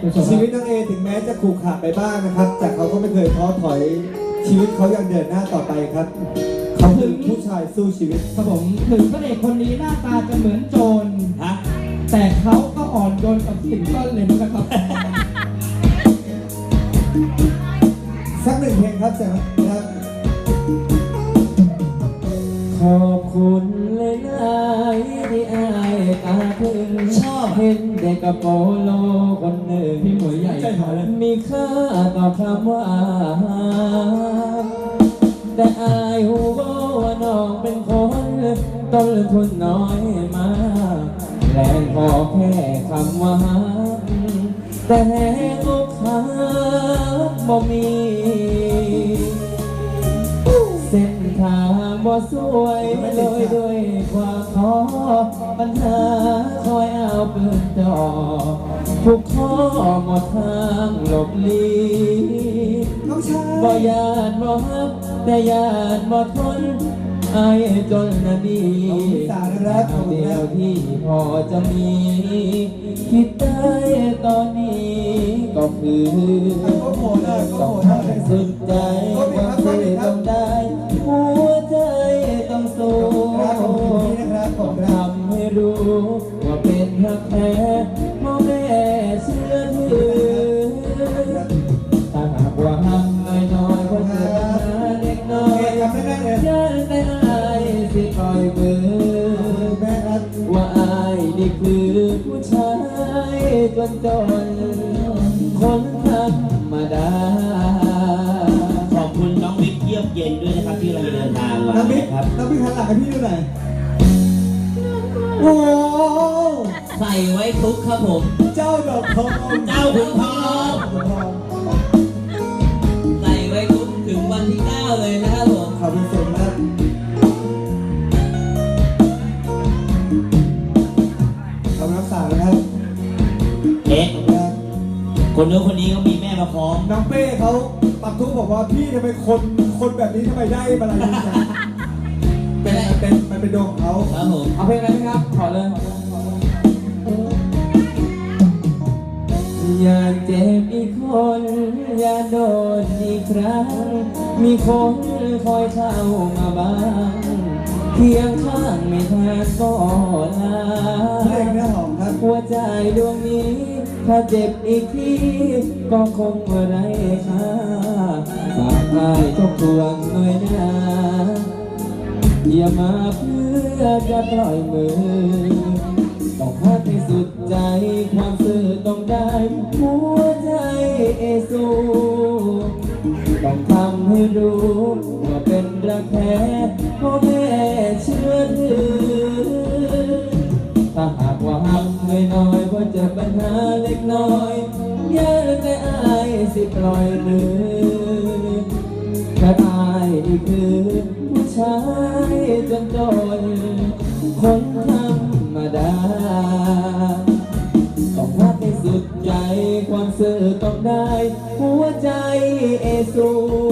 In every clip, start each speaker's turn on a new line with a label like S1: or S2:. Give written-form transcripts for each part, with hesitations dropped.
S1: ชีวิตน้องเอถึงแม้จะขรุขระไปบ้างนะครับแต่เขาก็ไม่เคยท้อถอยชีวิตเขายังเดินหน้าต่อไปครับเขาคือผู้ชายสู้ชีวิต
S2: ครับผมถึงพระเอกคนนี้หน้าตาจะเหมือนโจรแต่เขาก็อ่อนโยนกับสิ่งต้นเลยนะครับ
S1: สักหนึ่งเพลงครับเสร็จครับ
S3: ขอบคุณเลยนายที่อายตาถึงชอบเห็นเด็กกระโปโลคนหนึ่ง
S2: พี่หมวยใหญ่
S3: มีค่าต่อคำว่าแต่อายหูว่าน้องเป็นคนต้นทุนน้อยมากแรงพอแค่คำว่าแต่อกหักบ่มีเส้นทางบ่สวยเลยด้วยความท้อปัญหาคอยเอาปืนจ่อทุกข้อหมดทางหลบลีบ่ยานบ่ฮักแต่ยานบ่ทนอายจนนาดีเดียวที่พอจะมีคิดได้ตอนนี้ก็คือต้องทำสุดใจความเสื่อมได้หัวใจต้องสู้ต้องทำให้รู้ว่าเป็นรักแท้พ่อแม่เชื่อถือถ้าหากว่าหักน้อยๆก็เจอเด็กน้อยยันแต่อายสิปล่อยมือว่าอายนี่คือผู้ชายจนคนธรรมดา
S4: ขอบคุณน้องบิ๊กเยี่ยมเย็นด้วยนะครับที่เราเดินทางมาครับ
S1: น้องบิ๊กหันหลังให้พี่ดูหน่อยโอ้
S4: ใส่ไว้ทุกครับผม
S1: เจ้าดอกทอง
S4: เจ้าขุนทองใส่ไว้ทุกถึงวันที่ 9เลยนะครับผม
S1: ขอบคุณสุดมากขอบคุณรักษานะครับ
S4: คนนู้นคนนี้เขามีแม่มาพร้อม
S1: น้องเป้เขาปักทุกบอกว่าพี่ทำไมคนแบบนี้ทำไมได้อะไรนี่นะมันเป็นดวงของเขา
S4: ครับผม
S3: เอาเพลงอะไรไหมครับขอเลยอย่าเจ็บอีกคนอย่าโดนอีกครั้งมีคนคอยเข้ามาบ้างเคียงข้างไม่แทนก็ลา
S1: เพลงเนื้อหอมครับ
S3: หัวใจดวงนี้ถ้าเจ็บอีกทีก็คงไม่ได้ค่าฝากอายทบทวนหน่อยนะอย่ามาเพื่อจะปล่อยมือต้องพักให้สุดใจความซื่อต้องได้หัวใจสู้ต้องทำให้รู้ว่าเป็นรักแท้พ่อแม่เชื่อถือถ้าหากว่าหักน้อยๆว่าเจอปัญหาเล็กน้อยอย่าแต่อายสิปล่อยมือแค่อายนี่คือผู้ชายจนคนธรรมดาต้องรักให้สุดใจความซื่อต้องได้หัวใจสู้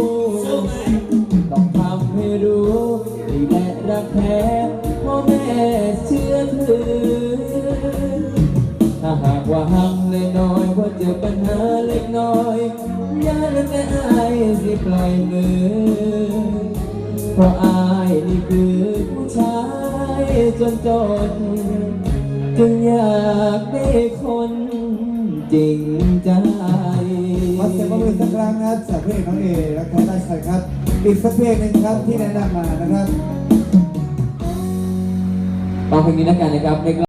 S3: ต้องทำให้รู้นี่แหละรักแท้พ่อแม่เชื่อถือถ้าหากว่าหักน้อยๆว่าเจอปัญหาเล็กน้อยอย่าแต่อายสิปล่อยมือเพราะอายนี่คือผู้ชายจนจึงอยากได้คนจริงใจ
S1: ขอเสียงปรบมือสักครั้งนะครับจากเพลงน้องเอและแคทไลชัยครับอีกสักเพลงหนึ่งครับที่แนะนำมานะครับ
S3: ฟังเพลงนี้แล้วกันนะครับ